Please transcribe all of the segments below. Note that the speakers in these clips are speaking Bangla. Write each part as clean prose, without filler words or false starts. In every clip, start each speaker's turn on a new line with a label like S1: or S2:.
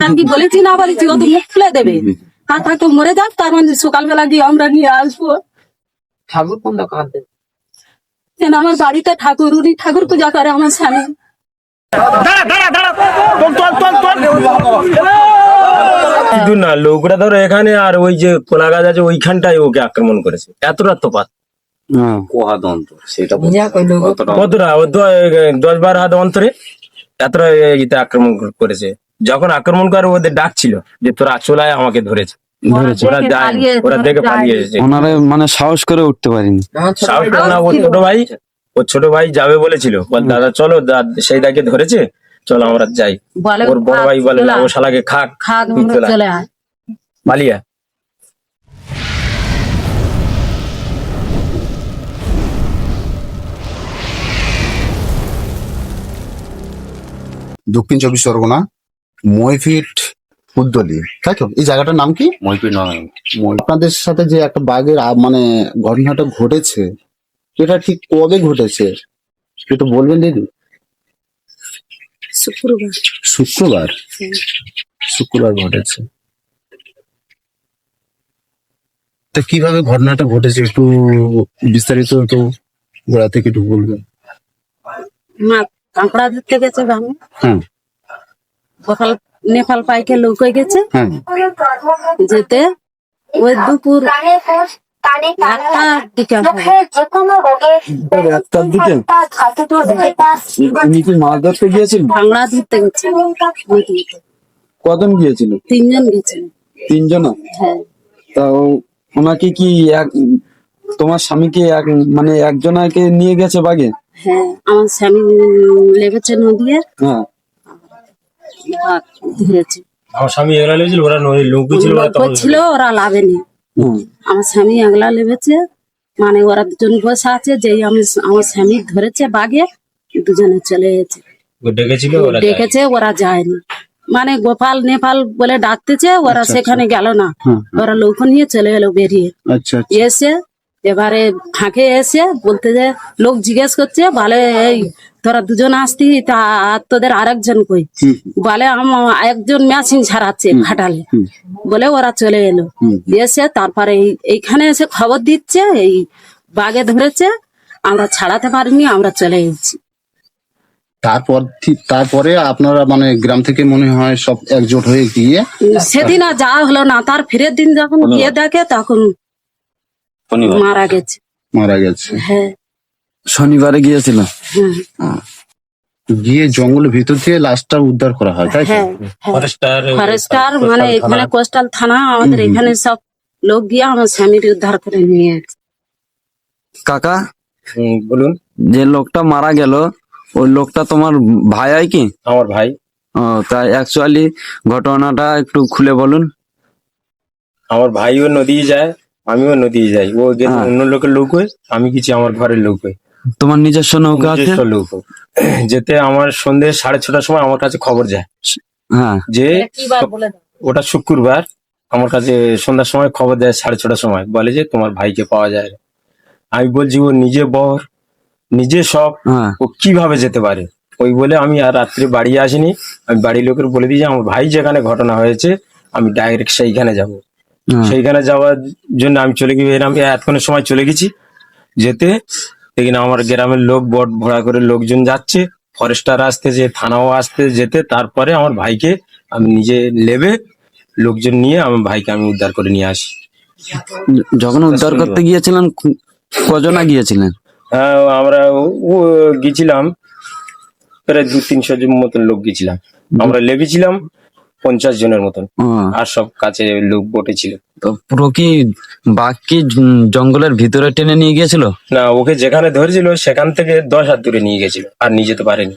S1: আমি কি বলেছি না বলেছি ও তো মুখ খুলে দেবে আর থাকতো মরে যাক তার মানে সকালবেলা গিয়ে আমরা নিয়ে আসবো
S2: ঠাকুর কোনটা কাঁদবে?
S1: কেন আমার বাড়িতে ঠাকুর উনি ঠাকুর পূজা করে আমার স্বামী
S3: শুধু না লোকরা ধরো এখানে আর ওই যে কোলা গাছ আছে ওইখানটায় ওকে আক্রমণ করেছে এতটা তফাৎ
S4: কোহাদন্ত সেটা
S2: যা কইলো গো।
S3: কতটা ও 10-12 হাত অন্তরে এতটা ইতে আক্রমণ করেছে যখন আক্রমণ করে ওদের ডাক ছিল যে তোরা চলে আয় আমাকে ধরেছে ওরা যায় ওরা দেখে পালিয়ে এসেছে
S5: ওনারা মানে সাহস করে উঠতে পারিনি।
S2: আমার ছোট
S3: সাহস করে না ওর ছোট ভাই যাবে বলেছিল বল দাদা চলো সেই দাকে ধরেছে চলো আমরা যাই
S1: বলে
S3: ওর বড় ভাই বলে না ও শালাকে খাক
S1: খাক
S3: তুই
S1: আমরা
S3: চলে আয়।
S1: চলে আয়
S3: পালিয়ে আয়।
S6: দক্ষিণ চব্বিশ পরগনা ময়ফিট উদ্দলি তাই তো এই জায়গাটার নাম কি
S4: মইপির নয়
S6: আপনাদের সাথে যে একটা বাঘের মানে ঘটনাটা ঘটেছে এটা ঠিক কবে ঘটেছে একটু বলবেন দিদি
S1: শুক্রবার
S6: শুক্রবার শুক্রবার ঘটেছে তা কিভাবে ঘটনাটা ঘটেছে একটু বিস্তারিত তো গোড়া থেকে একটু বলবেন
S1: মা কাঁকড়া ধরতে গেছে ভাঙে
S6: হ্যাঁ
S1: সকাল নেপাল পাইকে লোক হয়ে গেছে
S6: হ্যাঁ
S1: যেতে ওই দুপুর একটার দিকে হবে।
S5: একটার দিকে উনি কি মাছ ধরতে গিয়েছিল?
S1: ভাঙড়া ধরতে গেছে নদীতে।
S5: কজন গিয়েছিল?
S1: 3 জন গেছে
S5: 3 জন।
S1: হ্যাঁ
S5: তা ওনাকে কি তোমার স্বামীকে মানে একজনাকে নিয়ে গেছে বাগে?
S1: হ্যাঁ আমার স্বামী লেগেছে নদীর
S5: হ্যাঁ
S1: ভাত ধরেছে
S3: আমার স্বামী এগুলা লেগেছিল ওরা লোক ছিল ওরা
S1: লোক
S3: তখন
S1: ছিল ওরা লাভেনি
S5: হুম।
S1: আমার স্বামী আগলা লেবেছে মানে ওরা দুজন বসে আছে যেই আমার স্বামী ধরেছে বাগে দুজনে চলে গেছে
S3: ডেকেছিল ওরা
S1: ডেকেছে ওরা যায়নি মানে গোপাল নেপাল বলে ডাকতেছে ওরা সেখানে গেল না ওরা লোক নিয়ে চলে গেল বেরিয়ে
S6: আচ্ছা
S1: এসে এবারে ফাঁকে এসে বলতে যে লোক জিজ্ঞেস করছে বলে এই তোরা দুজন আসতি তা আর তোদের আরেকজন কই বলে একজন মেশিন ছাড়াচ্ছে খাটালে বলে ওরা চলে এলো এসে তারপরে এইখানে এসে খবর দিচ্ছে এই বাগে ধরেছে আমরা ছাড়াতে পারিনি আমরা চলে এসেছি
S6: তারপরে আপনারা মানে গ্রাম থেকে মনে হয় সব একজোট হয়ে গিয়ে
S1: সেদিন আর যাওয়া হলো না তার ফিরের দিন যখন গিয়ে দেখে তখন মারা গেছে
S6: মারা গেছে
S1: হ্যাঁ
S5: শনিবারে গিয়েছিল।
S1: হ্যাঁ
S6: গিয়ে জঙ্গলের ভিতর থেকে লাশটা উদ্ধার করা হয় তাই তো?
S1: হ্যাঁ
S3: ফরেস্টার
S1: ফরেস্টার মানে এখানে কোস্টাল থানা আমাদের এখানে সব লোক গিয়ে আমার স্বামীর উদ্ধার করে নিয়ে গেছে।
S5: কাকা
S3: বলুন
S5: যে লোকটা মারা গেল ওই লোকটা তোমার ভাই হয় কি?
S3: আমার ভাই
S5: ও তাই অ্যাকচুয়ালি ঘটনাটা একটু খুলে বলুন।
S3: আমার ভাইও নদী যায় আমিও নদী যাই ও গেছে অন্য লোকের লোক হয়ে আমি কিছু আমার ঘরের লোক হয়ে
S5: তোমার নিজস্ব নৌকা আছে?
S3: নিজস্ব লোক হয়ে। যেতে আমার সন্ধ্যে 6:30টার সময় আমার কাছে খবর যায়
S5: হ্যাঁ
S3: যে ওটা শুক্রবার আমার কাছে সন্ধ্যার সময় খবর দেয় 6:30টার সময় বলে যে তোমার ভাইকে পাওয়া যায় না। আমি বলছি ও নিজে বর নিজে সব
S5: হ্যাঁ
S3: ও কিভাবে যেতে পারে ওই বলে আমি আর রাত্রে বাড়ি আসিনি আমি বাড়ির লোকের বলে দিই যে আমার ভাই যেখানে ঘটনা হয়েছে আমি ডাইরেক্ট সেইখানে যাব
S5: হ্যাঁ।
S3: সেইখানে যাওয়ার জন্য আমি চলে গিয়ে আমি এতক্ষণের সময় চলে গেছি যেতে দেখি না আমার গ্রামের লোক বট ভরা করে লোকজন যাচ্ছে ফরেস্টার আসতেছে থানাও আসতে যেতে তারপরে আমার ভাইকে আমি নিজে লেবে লোকজন নিয়ে আমার ভাইকে আমি উদ্ধার করে নিয়ে আসি।
S5: যখন উদ্ধার করতে গিয়েছিলেন কজনা গিয়েছিলেন?
S3: আমরা ও গেছিলাম প্রায় 200-300 জন মতন লোক গেছিলাম আমরা লেগেছিলাম 50 জনের মতন
S5: ও,
S3: আর সব কাছে লোক বটে ছিল।
S5: তো পুরো কি বাঘ কি জঙ্গলের ভিতরে টেনে নিয়ে গিয়েছিল?
S3: না ওকে যেখানে ধরেছিল সেখান থেকে 10 হাত দূরে নিয়ে গেছিল আর নিয়ে যেতে পারেনি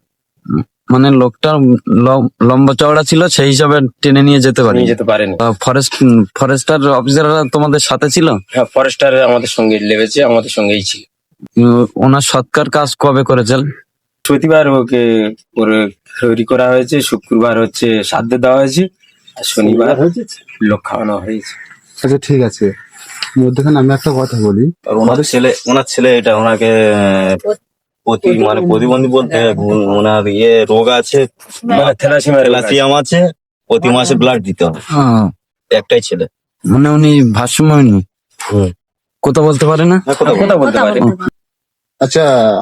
S5: মানে লোকটা লম্বা চওড়া ছিল সেই হিসাবে টেনে নিয়ে যেতে পারে।
S3: নিয়ে যেতে পারেনি।
S5: ফরেস্টার অফিসাররা তোমাদের সাথে ছিল?
S3: হ্যাঁ ফরেস্টার আমাদের সঙ্গে লেগেছে আমাদের সঙ্গেই ছিল।
S5: ওনার সৎকার কাজ কবে করেছেন?
S3: প্রতিবার ওকে ওরে তৈরি করা হয়েছে শুক্রবার হচ্ছে শ্রাদ্ধ দেওয়া হয়েছে আর শনিবার লোক খাওয়ানো হয়েছে।
S6: আচ্ছা ঠিক আছে মধ্যখানে আমি একটা কথা বলি
S4: আর ওনার ছেলে এটা ওনাকে মানে প্রতিবন্ধী বলতে ওনার রোগ আছে
S3: থ্যালাসেমিয়া
S4: ক্যালসিয়াম আছে প্রতি মাসে ব্লাড দিতে হয়, একটাই ছেলে।
S5: মানে উনি ভাষ্যময়ী কথা বলতে পারে না?
S3: কথা বলতে পারে।
S6: আচ্ছা,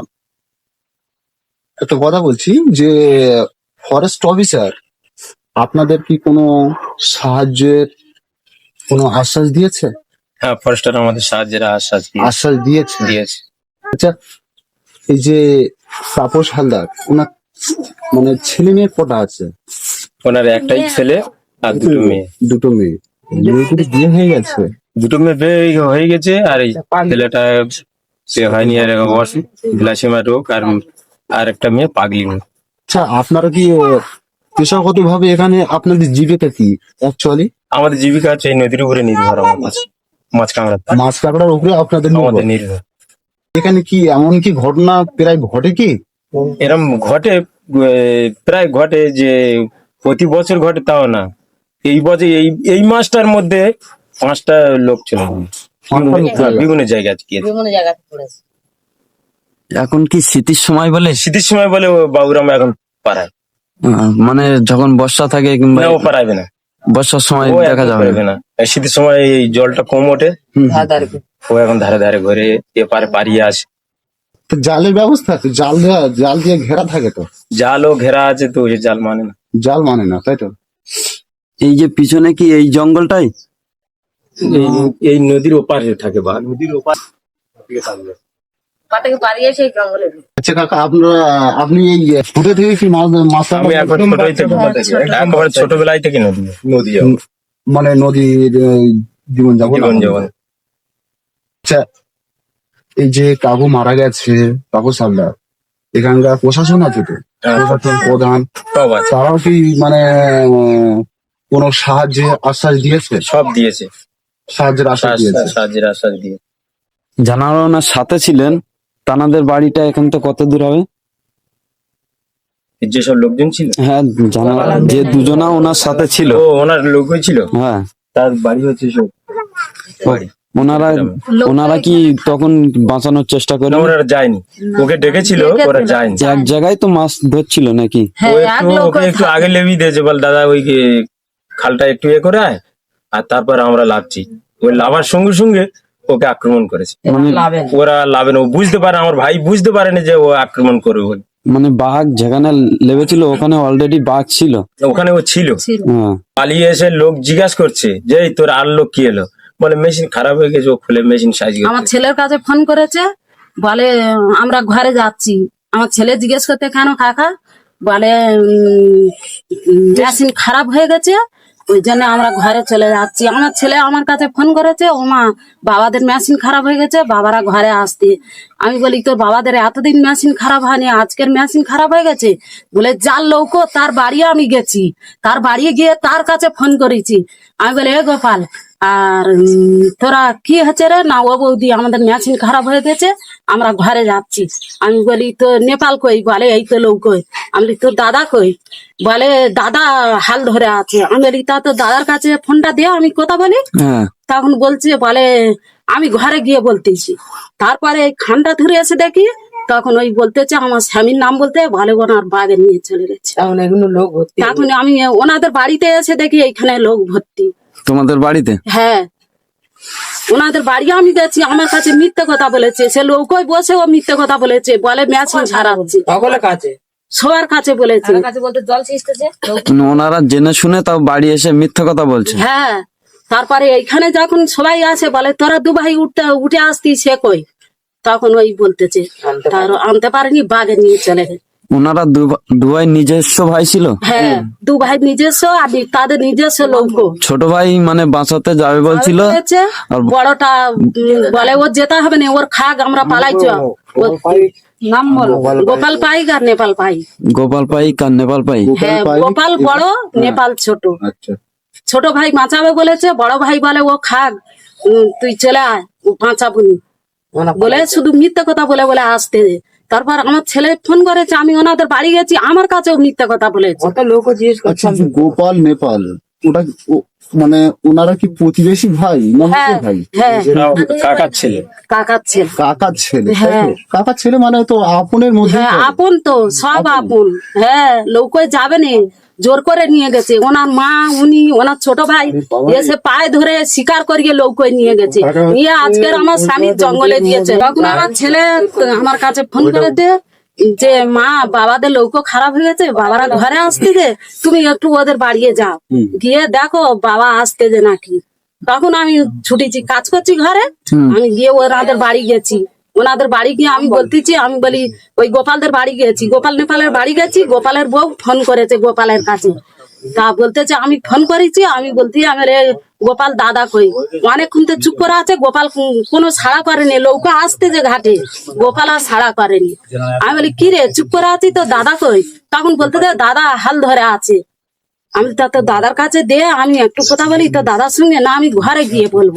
S6: একটা কথা বলছি যে ফরেস্ট অফিসার আপনাদের কি কোনো সাহায্যের কোনো আশ্বাস দিয়েছে?
S3: হ্যাঁ, ফরেস্টার আমাদের সাহায্যের আশ্বাস
S6: আশ্বাস দিয়েছে।
S3: দিয়েছে।
S6: আচ্ছা, এই যে তাপস হালদার, ওনার মানে ছেলে মেয়ে কটা আছে?
S3: ওনার একটাই ছেলে আর দুটো মেয়ে।
S6: দুটো মেয়ে। মেয়েগুলো বিয়ে হয়ে গেছে?
S3: দুটো মেয়ে বিয়ে হয়ে গেছে, আর এই ছেলেটা সে হয়নি, আর অসুখ গ্লাসিমা রোগ, আর একটা মেয়ে পাগলি মেয়ে।
S6: আচ্ছা, আপনারা কি পেশাগত ভাবে এখানে আপনাদের জীবিকা কি অ্যাকচুয়ালি?
S3: আমাদের জীবিকা হচ্ছে এই নদীর উপরে নির্ভর, আমার মাছ কাঁকড়া
S6: মাছ কাঁকড়ার উপরে আপনাদের
S3: আমাদের
S6: নির্ভর।
S3: নির্ভর।
S6: এখানে কি এমন কি ঘটনা প্রায় ঘটে কি?
S3: এরম ঘটে, প্রায় ঘটে, যে প্রতি বছর ঘটে তাও না। এই বছর এই মাসটার মধ্যে 5টা লোক চলে গেছে। বিভিন্ন জায়গায় গিয়ে।
S5: এখন কি শীতের সময় বলে?
S3: শীতের সময় বলে ও বাবুরাম এখন পারায়
S5: মানে যখন বর্ষা থাকে কিংবা
S3: না, ও পারাইবে না,
S5: বর্ষার সময়
S3: ও
S5: দেখা
S3: এখন
S5: যাবে
S3: পারাইবে
S5: না।
S3: না। এই শীতের সময় এই জলটা কম ওঠে, ও এখন ধারে ধারে ঘরে এপারে পারিয়ে আসে।
S6: তো জালের ব্যবস্থা আছে? জাল দিয়ে ঘেরা থাকে তো?
S3: জালও ঘেরা আছে, তো ওই জাল মানে না।
S6: জাল মানে না, তাই তো?
S5: এই যে পিছনে কি এই জঙ্গলটাই?
S3: এই নদীর ওপারে থাকে বা নদীর ওপার।
S6: আচ্ছা কাকা, আপনি এই ছোট থেকে কি মাছ
S3: আমি এখন একেবারে ছোটবেলায় থেকে নদী
S6: মানে নদীর জীবন যাপন? আচ্ছা, এই যে কাকু মারা গেছে, কাকু সালদার, এখানকার প্রশাসন আছে তো, প্রশাসন প্রধান,
S3: সব আছে,
S6: তারাও কি মানে কোনো সাহায্যের আশ্বাস দিয়েছে?
S3: সব দিয়েছে,
S6: সাহায্যের আশ্বাস দিয়েছে?
S3: সাহায্যের আশ্বাস দিয়ে।
S5: জানারা ওনার সাথে ছিলেন, তানাদের বাড়িটা এখান থেকে কত দূর হবে?
S3: যেসব লোকজন ছিল,
S5: হ্যাঁ, জানারা যে দুজনা ওনার সাথে ছিল,
S3: ও ওনার লোকই ছিল,
S5: হ্যাঁ,
S3: তার বাড়ি হচ্ছে সব বাড়ি।
S5: ওনারা কি তখন বাঁচানোর চেষ্টা করে?
S3: না, ওরা যায়নি, ওকে ডেকেছিল, ওরা যায়নি।
S5: এক জায়গায় তো মাছ ধরছিল নাকি?
S3: ও ওকে একটু আগে লেবি দিয়েছে, বল দাদা ওই খালটা একটু করে আয়, আর তারপর আমরা লাভছি। ওই লাভার সঙ্গে সঙ্গে ওকে আক্রমণ করেছে।
S5: মানে
S3: ওরা লাভে না, ও বুঝতে পারে, আমার ভাই বুঝতে পারেনি যে ও আক্রমণ করবে বলে।
S5: মানে বাঘ যেখানে লেবেছিল ওখানে অলরেডি বাঘ ছিল,
S3: ওখানে ও ছিল।
S5: হ্যাঁ।
S3: পালিয়ে এসে লোক জিজ্ঞাসা করছে যে এই তোর আর লোক কি এলো, বলে মেশিন খারাপ হয়ে গেছে, ও খুলে মেশিন সাইজ
S1: আমার ছেলের কাছে ফোন করেছে, বলে আমরা ঘরে যাচ্ছি। আমার ছেলে জিজ্ঞেস করতে কেন কাকা, বলে মেশিন খারাপ হয়ে গেছে, ওই জন্য আমরা ঘরে চলে যাচ্ছি। আমার ছেলে আমার কাছে ফোন করেছে, ও মা বাবাদের মেশিন খারাপ হয়ে গেছে, বাবারা ঘরে আসতে। আমি বলি তোর বাবাদের এতদিন মেশিন খারাপ হয়নি, আজকের মেশিন খারাপ হয়ে গেছে? বলে যার লৌকো তার বাড়ি আমি গেছি, তার বাড়ি গিয়ে তার কাছে ফোন করেছি। আমি বলি এ গোপাল, আর তোরা কি হচ্ছে রে? না ও বৌদি আমাদের মেশিন খারাপ হয়ে গেছে, আমরা ঘরে যাচ্ছি। আমি বলি তো নেপাল কই? বলে এই তো লোক কই। আমি বলি তোর দাদা কই? বলে দাদা হাল ধরে আছে। আমি বলি তা তোর দাদার কাছে ফোনটা দিয়ে আমি কথা বলি।
S5: হ্যাঁ,
S1: তখন বলছে, বলে আমি ঘরে গিয়ে বলতেছি। তারপরে এই খানটা ধরে এসে দেখি, তখন ওই বলতেছে আমার স্বামীর নাম বলতে, ভালো ওনার বাগে নিয়ে চলে গেছে।
S2: এখন এগুলো লোক ভর্তি।
S1: তখন আমি ওনাদের বাড়িতে এসে দেখি এইখানে লোক ভর্তি।
S5: তোমাদের বাড়িতে?
S1: হ্যাঁ, ওনাদের বাড়ি আমি গেছি, আমার কাছে মিথ্যে কথা বলেছে। সে লোকই বসে ও মিথ্যে কথা বলেছে, বলে মেশিন ছাড়াচ্ছে।
S2: সকলের কাছে
S1: সবার কাছে বলেছে।
S5: ওনারা জেনে শুনে তাও বাড়ি এসে মিথ্যা কথা বলছে?
S1: হ্যাঁ, তারপরে এইখানে যখন সবাই আসে, বলে তোরা দু ভাই উঠে আসতি, সে কই? তখন ওই বলতেছে তার আনতে পারেনি, বাগে নিয়ে চলে গেছে।
S5: ওনারা দুভাই নিজস্ব ভাই ছিল?
S1: হ্যাঁ, দু ভাই নিজস্ব, আর তাদের নিজস্ব লোক।
S5: ছোট ভাই মানে বাঁচাতে যাবে বলছিল, আর
S1: বড়টা বলে ওর যেতে হবে না, ওর খাগ আমরা পালাইছ। নাম বলো, গোপাল পাইক আর নেপাল পাই।
S5: গোপাল পাইক আর নেপাল পাইক।
S1: হ্যাঁ, গোপাল বড়, নেপাল ছোট।
S6: আচ্ছা,
S1: ছোট ভাই বাঁচাবে বলেছে, বড় ভাই বলে ও খাগ, তুই চলে আয়, ও বাঁচাবনি বলে শুধু মিথ্যা কথা বলে বলে আসতে। তারপর আমার ছেলে ফোন করেছে, আমি ওনাদের বাড়ি গেছি, আমার কাছেও মিথ্যা কথা বলেছে।
S2: কত লোক জিজ্ঞেস করছে।
S6: আচ্ছা, গোপাল নেপাল ওটা মানে ওনারা কি প্রতিবেশী ভাই না
S1: হ্যাঁ
S6: নিজের ভাই?
S1: হ্যাঁ
S3: কাকার ছেলে।
S1: কাকার ছেলে।
S6: কাকার ছেলে, তাই তো?
S1: হ্যাঁ।
S6: কাকার ছেলে মানে তো আপনের মধ্যে
S1: হ্যাঁ আপন তো, সব আপন। হ্যাঁ লৌকোয় যাবে নি, জোর করে নিয়ে গেছে ওনার মা, উনি ওনার ছোট ভাই এসে পায়ে ধরে শিকার করিয়ে লৌকোয় নিয়ে গেছে, নিয়ে আজকের আমার স্বামী জঙ্গলে দিয়েছে। তখন আমার ছেলে আমার কাছে ফোন করে দে যে মা বাবাদের লৌকো খারাপ হয়ে গেছে, বাবারা ঘরে আসতে যে তুমি একটু ওদের বাড়িয়ে যাও, গিয়ে দেখো বাবা আসতে যে নাকি। তখন আমি ছুটেছি, কাজ করছি ঘরে, আমি গিয়ে ওনাদের বাড়ি গেছি। ওনাদের বাড়ি গিয়ে আমি বলতেছি, আমি বলি ওই গোপালদের বাড়ি গেছি, গোপাল নেপালের বাড়ি গেছি, গোপালের বউ ফোন করেছে গোপালের কাছে। তা বলতেছে আমি ফোন করেছি, আমি বলছি আমার গোপাল দাদা কই, অনেকক্ষণ তো চুপ করে আছে, গোপাল কোনো সাড়া করেনি, লৌকা আসতে যে ঘাটে গোপাল আর সাড়া করেনি। আমি বলি কি রে চুপ করে আছি তো দাদা কই, তখন বলতে দাদা হাল ধরে আছে। আমি তা তো দাদার কাছে দে, আমি একটু কথা বলি তো দাদার সঙ্গে, না আমি ঘরে গিয়ে বলবো।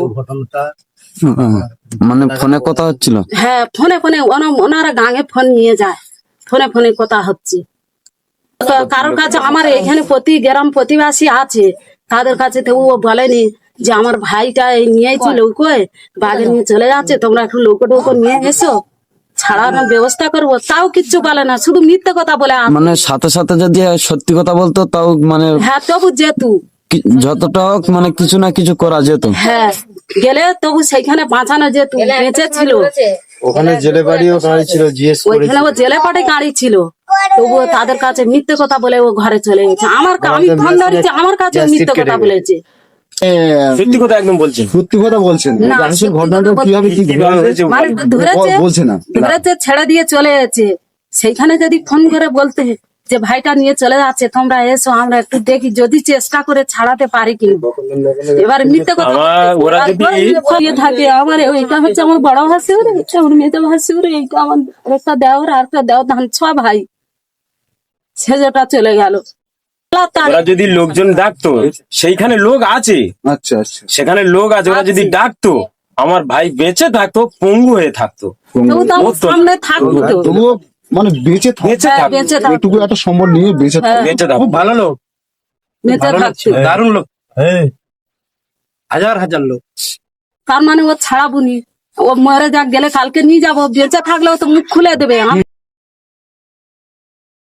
S5: মানে ফোনে কথা হচ্ছিল?
S1: হ্যাঁ ফোনে ফোনে ওনারা গাঙে ফোন নিয়ে যায়, ফোনে ফোনে কথা হচ্ছে। তো কারোর কাছে আমার এখানে প্রতি গ্রাম প্রতিবাসী আছে, তাদের কাছে তো ও বলেনি যে আমার ভাইটা এই নিয়েছি লৌকোয়, বাঘে নিয়ে চলে যাচ্ছে, তোমরা একটু লৌকো টৌকো নিয়ে এসো, ছাড়ানোর ব্যবস্থা করবো, তাও কিচ্ছু বলে না, শুধু মিথ্যে কথা বলে আসে।
S5: মানে সাথে সাথে যদি সত্যি কথা বলতো তাও মানে
S1: হ্যাঁ তবু যেতু,
S5: যতটা হোক মানে কিছু না কিছু করা যেত।
S1: হ্যাঁ গেলে তবু সেইখানে বাঁচানো যেত, বেঁচে ছিল।
S7: ওখানে জেলে বাড়িও গাড়ি ছিল, জিজ্ঞেস করে
S1: ওইখানে ও জেলে পাটে গাড়ি ছিল, তবুও তাদের কাছে মিথ্যে কথা বলে ও ঘরে চলে গেছে। আমি ফোন ধরেছি, আমার কাছে মিথ্যে কথা বলেছে।
S3: সত্যি কথা একদম বলছেন।
S6: সত্যি কথা বলছেন?
S1: না,
S6: আসলে
S1: সত্যি
S6: ঘটনাটা
S1: কথা
S6: কিভাবে কি
S3: কিভাবে হয়েছে
S1: মানে ধরেছে,
S6: বলছে না?
S1: ধরেছে ছেড়ে দিয়ে চলে যাচ্ছে, সেইখানে যদি ফোন করে বলতে যে ভাইটা নিয়ে চলে যাচ্ছে, তোমরা এসো আমরা একটু দেখি, যদি চেষ্টা করে ছাড়াতে পারি কি। এবার মিথ্যে কথা
S3: ওরা যদি
S1: থাকে, আমার ওইটা হচ্ছে আমার বড় ভাসুর, আমার মেয়েতে ভাসুর, এইটা আমার একটা দেওর আর একটা দেওর, ধান ছ ভাই, ছেলেটা চলে গেল।
S3: ওরা যদি লোকজন ডাকতো, সেইখানে লোক আছে,
S6: আচ্ছা আচ্ছা।
S3: সেখানে লোক আছে, ওরা যদি ডাকতো আমার ভাই বেঁচে থাকতো, পঙ্গু হয়ে থাকতো।
S1: তবু তো আমার সামনে থাকবো তো।
S6: তবুও মানে বেঁচে
S3: বেঁচে
S1: হ্যাঁ,
S3: থাকতো,
S1: বেঁচে থাকতো,
S6: এটুকু একটা সম্বল নিয়ে বেঁচে
S1: হ্যাঁ।
S3: বেঁচে থাকতো।
S7: ভালো লোক,
S1: বেঁচে থাকতো।
S7: দারুণ লোক, হাজার হাজার লোক।
S1: তার মানে ও ছাড়াবুনি, ও মরে যাক, গেলে কালকে নিয়ে যাবো, বেঁচে থাকলেও তো মুখ খুলে দেবে।